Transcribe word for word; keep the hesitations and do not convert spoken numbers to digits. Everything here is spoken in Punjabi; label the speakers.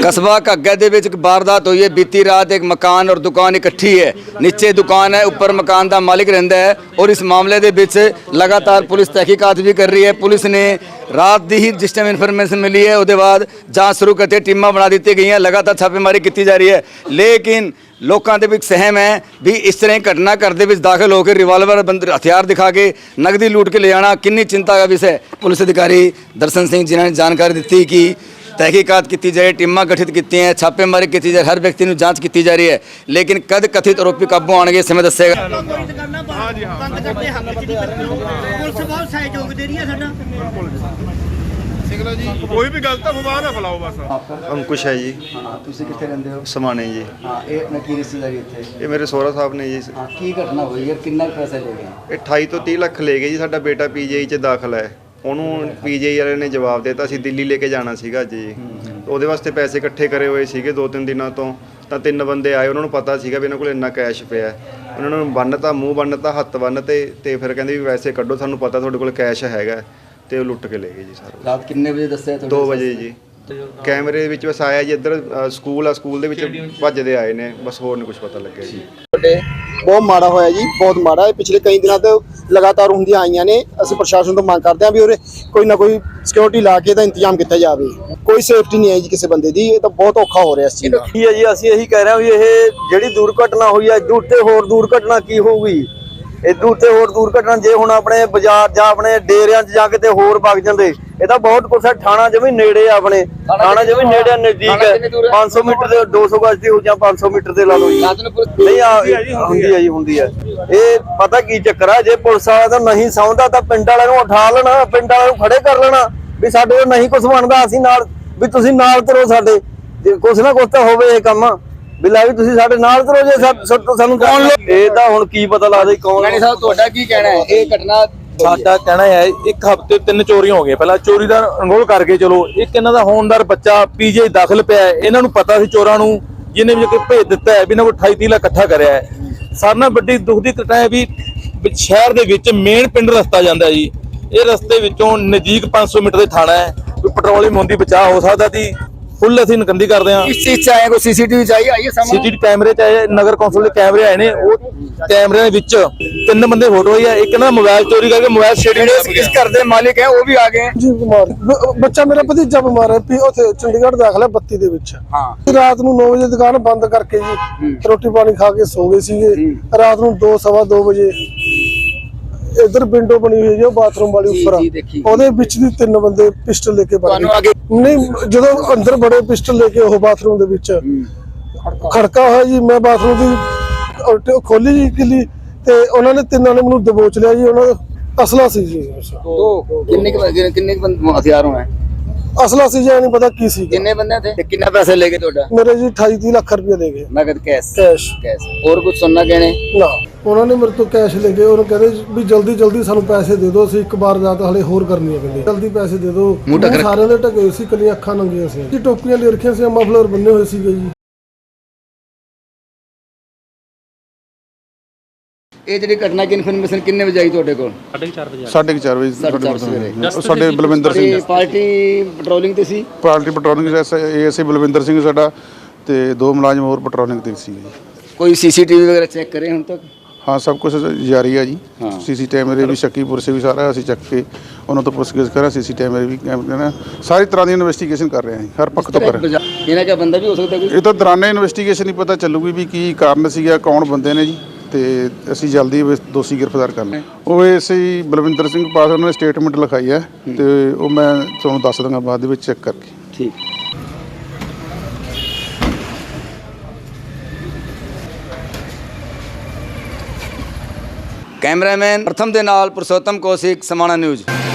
Speaker 1: कस्बा घग्गा दे विच एक वारदात हुई है। बीती रात एक मकान और दुकान इकट्ठी है। नीचे दुकान है, ऊपर मकान का मालिक रहिंदा है। और इस मामले दे विच लगातार पुलिस तहकीकात भी कर रही है। पुलिस ने रात दी ही जिस टाइम इन्फॉर्मेशन मिली है उसके बाद जांच शुरू करते टीमां बना दी गई हैं। लगातार छापेमारी की जा रही है। लेकिन लोगों के विच सहम है भी इस तरह घटना घर के दाखिल होकर रिवाल्वर बंद हथियार दिखा के नगदी लूट के ले जाना कितनी चिंता का विषय। पुलिस अधिकारी दर्शन सिंह जिन्होंने जानकारी दी कि तहकीकात की जाए, टीमां गठित की हैं, छापेमारी की जाए, हर व्यक्ति की जांच की जा रही है। लेकिन कद कथित आरोपी काबू आने समय दसेगा।
Speaker 2: कोई भी गलत अफवाह ना फैलाओ बस।
Speaker 3: अंकुश है जी।
Speaker 1: हाँ, तुसी कित्थे रहंदे हो?
Speaker 3: समाने जी।
Speaker 1: हाँ, ये अपना की रिश्तेदारी इत्थे?
Speaker 3: ये मेरे सोहरा साहब ने जी।
Speaker 1: हाँ, की घटना हुई है? कितना पैसा ले गए?
Speaker 3: ਇਹ ਅਠਾਈ ਤੋਂ ਤੀਹ ਲੱਖ ਲੈ ਗਏ ਜੀ। ਸਾਡਾ ਬੇਟਾ ਪੀਜੀਆਈ 'ਚ ਦਾਖਲ ਹੈ। ਉਹਨੂੰ ਪੀਜੀਆਈ ਵਾਲੇ ਨੇ ਜਵਾਬ ਦਿੱਤਾ ਅਸੀਂ ਦਿੱਲੀ ਲੈ ਕੇ ਜਾਣਾ ਸੀਗਾ ਅੱਜ ਜੀ। ਉਹਦੇ ਵਾਸਤੇ ਪੈਸੇ ਇਕੱਠੇ ਕਰੇ ਹੋਏ ਸੀਗੇ ਦੋ ਤਿੰਨ ਦਿਨਾਂ ਤੋਂ। ਤਾਂ ਤਿੰਨ ਬੰਦੇ ਆਏ, ਉਹਨਾਂ ਨੂੰ ਪਤਾ ਸੀਗਾ ਵੀ ਇਹਨਾਂ ਕੋਲ ਇੰਨਾ ਕੈਸ਼ ਪਿਆ। ਉਹਨਾਂ ਨੂੰ ਬੰਨ੍ਹਤਾ, ਮੂੰਹ ਬੰਨ੍ਹਤਾ, ਹੱਥ ਬੰਨ੍ਹਤੇ ਤੇ ਫਿਰ ਕਹਿੰਦੇ ਵੀ ਵੈਸੇ ਕੱਢੋ, ਸਾਨੂੰ ਪਤਾ ਤੁਹਾਡੇ ਕੋਲ ਕੈਸ਼ ਹੈਗਾ। ਤੇ ਉਹ ਲੁੱਟ ਕੇ ਲੈ ਗਏ ਜੀ ਸਾਰਾ।
Speaker 1: ਰਾਤ ਕਿੰਨੇ ਵਜੇ ਦੱਸਿਆ ਤੁਹਾਡੇ?
Speaker 3: ਦੋ ਵਜੇ ਜੀ। ਕੈਮਰੇ ਵਿੱਚ ਬਸ ਆਇਆ ਜੀ ਇੱਧਰ ਸਕੂਲ ਆ, ਸਕੂਲ ਦੇ ਵਿੱਚ ਭੱਜਦੇ ਆਏ ਨੇ, ਬਸ ਹੋਰ ਨਹੀਂ ਕੁਝ ਪਤਾ ਲੱਗਿਆ ਜੀ।
Speaker 4: ਬਹੁਤ ਮਾੜਾ ਹੋਇਆ ਜੀ, ਬਹੁਤ ਮਾੜਾ। ਇਹ ਪਿਛਲੇ ਕਈ ਦਿਨਾਂ ਤੋਂ ਲਗਾਤਾਰ ਹੁੰਦੀਆਂ ਆਈਆਂ ਨੇ। ਅਸੀਂ ਪ੍ਰਸ਼ਾਸਨ ਤੋਂ ਮੰਗ ਕਰਦੇ ਹਾਂ ਵੀ ਉਹਦੇ ਕੋਈ ਨਾ ਕੋਈ ਸਿਕਿਉਰਿਟੀ ਲਾ ਕੇ ਇਹਦਾ ਇੰਤਜ਼ਾਮ ਕੀਤਾ ਜਾਵੇ। ਕੋਈ ਸੇਫਟੀ ਨਹੀਂ ਹੈ ਜੀ ਕਿਸੇ ਬੰਦੇ ਦੀ। ਇਹ ਤਾਂ ਬਹੁਤ ਔਖਾ ਹੋ ਰਿਹਾ ਇਸ ਚੀਜ਼ ਦਾ।
Speaker 5: ਕੀ ਹੈ ਜੀ, ਅਸੀਂ ਇਹੀ ਕਹਿ ਰਹੇ ਹਾਂ ਵੀ ਇਹ ਜਿਹੜੀ ਦੁਰਘਟਨਾ ਹੋਈ ਹੈ ਇਦੋਂ ਉੱਤੇ ਹੋਰ ਦੁਰਘਟਨਾ ਕੀ ਹੋਊਗੀ। ਇਦੋਂ ਉੱਤੇ ਹੋਰ ਦੁਰਘਟਨਾ ਜੇ ਹੁਣ ਆਪਣੇ ਬਾਜ਼ਾਰ ਜਾਂ ਆਪਣੇ ਡੇਰਿਆਂ 'ਚ ਜਾ ਕੇ ਤੇ ਹੋਰ ਵਗ ਜਾਂਦੇ। ਇਹ ਤਾਂ ਬਹੁਤ ਕੁਛ ਹੈ। ਥਾਣਾ ਜਿਵੇਂ ਨੇੜੇ ਆ, ਆਪਣੇ ਥਾਣਾ ਜਿਵੇਂ ਨੇੜੇ ਨਜ਼ਦੀਕ ਹੈ। ਪੰਜ ਸੌ ਮੀਟਰ ਦੇ ਦੋ ਸੌ ਗਜ਼ ਦੀ ਹੋ ਜਾਂ ਪੰਜ ਸੌ ਮੀਟਰ ਦੇ ਲਾ ਲਓ ਜੀ। ਨਹੀਂ ਆ ਹੁੰਦੀ ਹੈ ਜੀ, ਹੁੰਦੀ ਹੈ। ਇਹ ਪਤਾ ਕੀ ਚੱਕਰ ਆ, ਜੇ ਪੁਲਿਸ ਵਾਲਾ ਤਾਂ ਨਹੀਂ ਸੌਂਦਾ ਤਾਂ ਪਿੰਡ ਵਾਲਿਆਂ ਨੂੰ ਉਠਾ ਲੈਣਾ, ਪਿੰਡ ਵਾਲਿਆਂ ਨੂੰ ਖੜੇ ਕਰ ਲੈਣਾ ਵੀ ਸਾਡੇ ਕੋਲ ਨਹੀਂ ਕੁਝ ਬਣਦਾ, ਅਸੀਂ ਨਾਲ ਵੀ ਤੁਸੀਂ ਨਾਲ ਤੁਰੋ ਸਾਡੇ। ਕੁਛ ਨਾ ਕੁਛ ਤਾਂ ਹੋਵੇ ਇਹ ਕੰਮ ਵੀ ਲੈ ਵੀ ਤੁਸੀਂ ਸਾਡੇ ਨਾਲ ਤੁਰੋ। ਜੇ ਸਾਨੂੰ ਕੌਣ ਇਹ ਤਾਂ ਹੁਣ ਕੀ ਪਤਾ ਲੱਗਦਾ ਕੌਣ।
Speaker 1: ਰਾਣੀ ਸਾਹਿਬ ਤੁਹਾਡਾ ਕੀ ਕਹਿਣਾ ਹੈ? ਇਹ ਘਟਨਾ
Speaker 6: ਸਾਡਾ ਕਹਿਣਾ ਹੈ ਇੱਕ ਹਫ਼ਤੇ ਤਿੰਨ ਚੋਰੀਆਂ ਹੋ ਗਈਆਂ। ਪਹਿਲਾਂ ਚੋਰੀ ਦਾ ਅਨਗੋਲ ਕਰਕੇ ਚਲੋ ਇੱਕ ਇਹਨਾਂ ਦਾ ਹੋਣਦਾਰ ਬੱਚਾ ਪੀਜੀਆਈ ਦਾਖਲ ਪਿਆ। ਇਹਨਾਂ ਨੂੰ ਪਤਾ ਸੀ ਚੋਰਾਂ ਨੂੰ, ਜਿਹਨੇ ਵੀ ਭੇਜ ਦਿੱਤਾ ਹੈ ਵੀ ਇਹਨਾਂ ਕੋਲ ਅਠਾਈ ਤੀਹ ਲੱਖ ਇਕੱਠਾ ਕਰਿਆ ਹੈ। ਸਾਰਿਆਂ ਨਾਲ ਵੱਡੀ ਦੁੱਖ ਦੀ ਘਟਨਾ ਹੈ ਵੀ ਸ਼ਹਿਰ ਦੇ ਵਿੱਚ ਮੇਨ ਪਿੰਡ ਰਸਤਾ ਜਾਂਦਾ ਜੀ। ਇਹ ਰਸਤੇ ਵਿੱਚੋਂ ਨਜ਼ਦੀਕ ਪੰਜ ਸੌ ਮੀਟਰ ਦੇ ਥਾਣਾ ਹੈ। ਕੋਈ ਪੈਟਰੋਲਿੰਗ ਹੁੰਦੀ ਬਚਾਅ ਹੋ ਸਕਦਾ ਸੀ। ਫੁੱਲ ਅਸੀਂ ਨਕੰਦੀ ਕਰਦੇ ਹਾਂ।
Speaker 1: ਇਸ ਚੀਜ਼ 'ਚ ਆਏ ਕੋਈ ਸੀਸੀਟੀਵੀ ਚਾਹੀਏ ਆਈਏ ਸਾਹਮਣੇ।
Speaker 6: ਸੀਸੀਟੀਵੀ ਕੈਮਰੇ 'ਚ ਆਏ, ਨਗਰ ਕੌਂਸਲ ਦੇ ਕੈਮਰੇ ਆਏ ਨੇ। ਉਹ ਕੈਮਰਿਆਂ ਦੇ ਵਿੱਚ ਤਿੰਨ ਬੰਦੇ ਫੋਟੋ ਆਈ ਹੈ। ਇੱਕ ਨਾ ਮੋਬਾਈਲ ਚੋਰੀ ਕਰਕੇ ਮੋਬਾਈਲ ਸ਼ੇਅਰਿੰਗ
Speaker 1: ਇਸ ਘਰ ਦੇ ਮਾलिक ਹੈ ਉਹ ਵੀ ਆ ਗਏ।
Speaker 4: ਜੀ ਬਿਮਾਰ ਬੱਚਾ ਮੇਰਾ ਭਤੀਜਾ ਬਿਮਾਰ ਹੈ ਵੀ ਉੱਥੇ ਚੰਡੀਗੜ੍ਹ ਦਾਖਲ ਹੈ ਬੱਤੀ ਦੇ ਵਿੱਚ।
Speaker 1: ਹਾਂ,
Speaker 4: ਰਾਤ ਨੂੰ ਨੌ ਵਜੇ ਦੁਕਾਨ ਬੰਦ ਕਰਕੇ ਜੀ ਰੋਟੀ ਪਾਣੀ ਖਾ ਕੇ ਸੋ ਗਏ ਸੀਗੇ। ਰਾਤ ਨੂੰ ਦੋ ਸਵਾ ਦੋ ਵਜੇ ਇਧਰ ਵਿੰਡੋ ਬਣੀ ਹੋਈ ਹੈ ਬਾਥਰੂਮ ਵਾਲੀ ਉੱਪਰ, ਉਹਦੇ ਵਿੱਚ ਦੀ ਤਿੰਨ ਬੰਦੇ ਪਿਸਟਲ ਲੈ ਕੇ ਵੜ ਗਏ। ਨਹੀਂ ਜਦੋਂ ਅੰਦਰ ਬੜੇ ਪਿਸਟਲ ਲੈ ਕੇ ਉਹ ਬਾਥਰੂਮ ਦੇ ਵਿੱਚ ਖੜਕਾ ਹੋਇਆ ਜੀ। ਮੈਂ ਬਾਥਰੂਮ ਦੀ ਖੋਲੀ ਜੀ ਕਿਲੀ ਤੇ ਉਹਨਾਂ ਨੇ ਤਿੰਨਾਂ ਨੇ ਮੈਨੂੰ ਦਬੋਚ ਲਿਆ ਜੀ। ਉਹਨਾਂ ਦਾ ਅਸਲਾ ਸੀ ਜੀ।
Speaker 1: तो किन्ने के किन्ने के हथियार होना है?
Speaker 4: ਅਸਲਾ ਸੀ ਜੀ, ਨਹੀਂ ਪਤਾ ਕੀ ਸੀ।
Speaker 1: किन्ने बंदे थे ते कितना पैसे लेके ਤੁਹਾਡਾ?
Speaker 4: ਮੇਰੇ ਜੀ ਅਠਾਈ ਤੀਹ ਲੱਖ ਰੁਪਏ ਲੈ ਗਏ
Speaker 1: नगद कैश
Speaker 4: ਕੈਸ਼।
Speaker 1: कैश और कुछ सुनना कहने
Speaker 4: ਨਾ ਉਹਨਾਂ ਨੇ ਮੇਰੇ ਤੋਂ ਕੈਸ਼ ਲੈ ਗਏ। ਉਹਨੂੰ ਕਹਿੰਦੇ ਵੀ ਜਲਦੀ ਜਲਦੀ ਸਾਨੂੰ ਪੈਸੇ ਦੇ ਦਿਓ, ਅਸੀਂ ਇੱਕ ਵਾਰ ਰਾਤ ਹਲੇ ਹੋਰ ਕਰਨੀ ਹੈ। ਕਹਿੰਦੇ ਜਲਦੀ ਪੈਸੇ ਦੇ ਦਿਓ। ਸਾਰਿਆਂ ਦੇ ਢਕੇ ਸੀ, ਕੱਲੀਆਂ ਅੱਖਾਂ ਨੰਗੀਆਂ ਸੀ ਜੀ। ਟੋਪੀਆਂ ਲੈ ਰੱਖੀਆਂ ਸੀ, ਮਫਲਰ ਬੰਨੇ ਹੋਏ ਸੀਗੇ ਜੀ।
Speaker 1: ਇਹ ਜਿਹੜੀ ਘਟਨਾ ਦੀ ਇਨਫੋਰਮੇਸ਼ਨ ਕਿੰਨੇ ਵਜੇ ਆਈ ਤੁਹਾਡੇ ਕੋਲ?
Speaker 7: ਸਾਢੇ ਚਾਰ ਵਜੇ
Speaker 2: ਸਾਢੇ ਚਾਰ ਵਜੇ ਸਾਡੇ ਬਲਵਿੰਦਰ ਸਿੰਘ
Speaker 1: ਪਾਰਟੀ ਪੈਟਰੋਲਿੰਗ ਤੇ ਸੀ।
Speaker 2: Party patrolling ASI Balwinder Singh ਸਾਡਾ ਤੇ ਦੋ ਮੁਲਾਜ਼ਮ ਹੋਰ ਪੈਟਰੋਲਿੰਗ ਤੇ ਸੀ।
Speaker 1: ਕੋਈ ਸੀਸੀਟੀਵੀ ਵਗੈरह ਚੈੱਕ ਕਰੇ ਹੁਣ ਤੱਕ?
Speaker 2: हाँ सब कुछ जारी है जी। सीसी कैमरे भी शक्कीपुर से भी सारा ਅਸੀਂ ਚੱਕ ਕੇ ਉਹਨਾਂ ਤੋਂ ਪੁੱਛਗਿੱਛ ਕਰ ਰਹੇ। ਸੀਸੀ ਕੈਮਰੇ ਵੀ ਨਾ ਸਾਰੀ ਤਰ੍ਹਾਂ ਦੀ ਇਨਵੈਸਟੀਗੇਸ਼ਨ ਕਰ ਰਹੇ ਹਾਂ ਹਰ ਪੱਖ ਤੋਂ ਕਰ ਰਹੇ ਹਾਂ।
Speaker 1: ਇਹਨਾਂ ਦਾ ਬੰਦਾ ਵੀ ਹੋ ਸਕਦਾ ਕੋਈ?
Speaker 2: ਇਹ ਤਾਂ ਦੌਰਾਨੇ ਇਨਵੈਸਟੀਗੇਸ਼ਨ ਹੀ ਪਤਾ ਚੱਲੂਗੀ ਵੀ ਕੀ ਕਾਰਨ ਸੀਗਾ, ਕੌਣ ਬੰਦੇ ਨੇ ਜੀ। ਤੇ ਅਸੀਂ ਜਲਦੀ ਦੋਸ਼ੀ ਗ੍ਰਿਫਤਾਰ ਕਰਨਾ। ਉਹ ਐਸੇ ਹੀ ਬਲਵਿੰਦਰ ਸਿੰਘ ਪਾਸ ਉਹਨਾਂ ਨੇ ਸਟੇਟਮੈਂਟ ਲਿਖਾਈ ਹੈ ਤੇ ਉਹ ਮੈਂ ਤੁਹਾਨੂੰ ਦੱਸ ਦਾਂਗਾ ਬਾਅਦ ਦੇ ਵਿੱਚ ਚੈੱਕ ਕਰਕੇ।
Speaker 1: ਠੀਕ। कैमरामैन प्रथम दे नाल पुरुषोत्तम कौशिक, समाना न्यूज़।